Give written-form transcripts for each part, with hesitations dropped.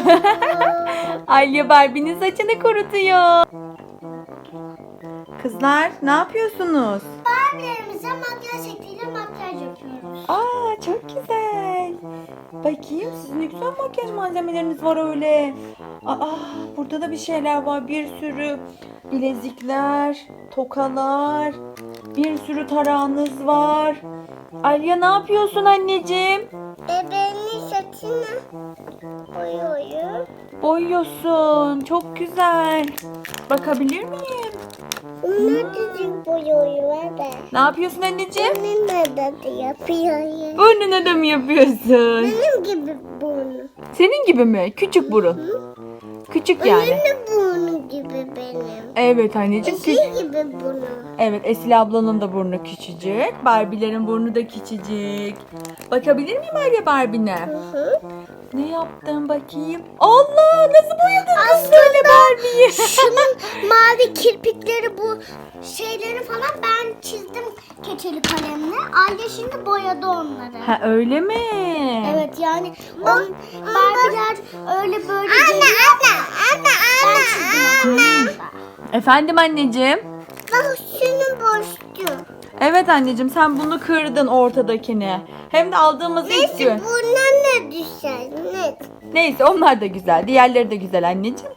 Alya Barbie'nin saçını kurutuyor. Kızlar ne yapıyorsunuz? Barbie'lerimize makyaj şekliyle makyaj yapıyoruz. Aa çok güzel. Bakayım sizin ne güzel makyaj malzemeleriniz var öyle. Aa burada da bir şeyler var. Bir sürü bilezikler, tokalar, bir sürü tarağınız var. Alya ne yapıyorsun anneciğim? Bebeğinin saçını boyuyorum. Boyuyorsun. Çok güzel. Bakabilir miyim? Bunlar düzgün boyuyorum hadi. Ne yapıyorsun anneciğim? Benim de yapıyorum. Burnuna da mı yapıyorsun? Benim gibi burnu. Senin gibi mi? Küçük burun. Küçük yani. Benim de burnu gibi benim. Evet anneciğim. Eşi gibi burnu. Evet Esil ablanın da burnu küçücük. Barbie'lerin burnu da küçücük. Bakabilir miyim Alya Barbie'ne? Hı. Ne yaptın bakayım? Allah nasıl boyadın kız böyle Barbie'yi? Şunun mavi kirpikleri bu şeyleri falan ben çizdim keçeli kalemle. Aile şimdi boyadı onları. Ha öyle mi? Evet yani Barbie'ler öyle böyle geliyor. Ben çizdim onları. Efendim anneciğim? Bak şunun boştu. Evet anneciğim sen bunu kırdın ortadakini. Hem de aldığımız ilk gün. Bundan ne düşer? Ne? Neyse onlar da güzel. Diğerleri de güzel anneciğim.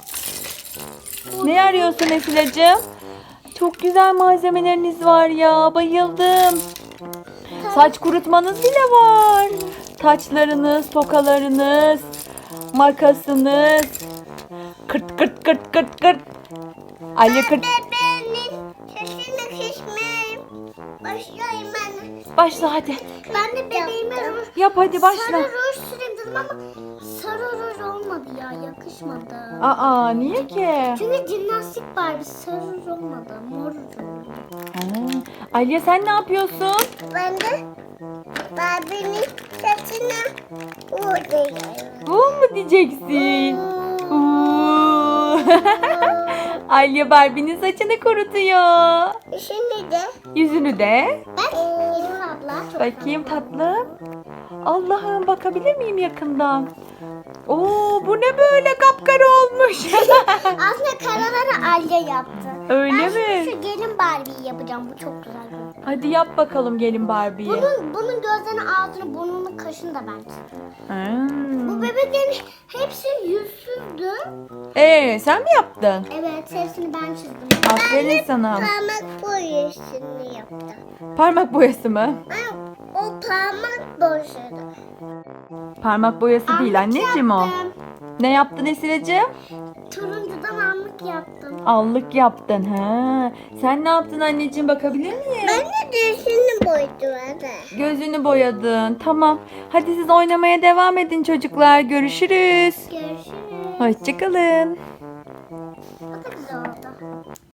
Ne arıyorsun Esilacığım? Çok güzel malzemeleriniz var ya. Bayıldım. Saç kurutmanız bile var. Taçlarınız, tokalarınız, makasınız. Kırt kırt kırt kırt kırt. Alya kırt. Bebeğinin sesini kısmayayım. Başlayayım ben. Başla hadi. Ben de bebeğime ruj. Yap hadi başla. Sarı ruj süreyim dedim ama sarı ruj olmadı ya, yakışmadı. Aa niye ki? Çünkü jimnastik Barbie sarı ruj olmadı, mor ruj oldu. Ha. Alya sen ne yapıyorsun? Ben de Barbie'nin saçına vuruyorum. Bu mu diyeceksin? Uuu. Alya Barbie'nin saçını kurutuyor. Şimdi de Yüzünü de. ben Elif abla çok Bakayım tatlım. Allah'ım bakabilir miyim yakından? Oo bu ne böyle kapkara olmuş. aslında karaları Alya yaptı. Öyle Ben mi? şimdi şu gelin Barbie'yi yapacağım, bu çok güzel gözüküyor. Hadi yap bakalım gelin Barbie'yi. Bunun gözlerini, ağzını, burnunu, kaşını da ben çizdim. Bu Hmm. bebeklerin hepsi yüzsüzdü. Sen mi yaptın? Evet, hepsini ben çizdim. Aferin sana. Parmak boyasını yaptım. Parmak boyası mı? O parmak boyasıydı. Parmak boyası değil anneciğim o. Yaptım. Ne yaptın Esilacığım? Turuncudan allık yaptım. Allık yaptın ha. Sen ne yaptın anneciğim bakabilir miyim? Ben de dişini boydum hadi. Gözünü boyadın. Tamam. Hadi siz oynamaya devam edin çocuklar. Görüşürüz. Görüşürüz. Hoşçakalın. O da güzel oldu.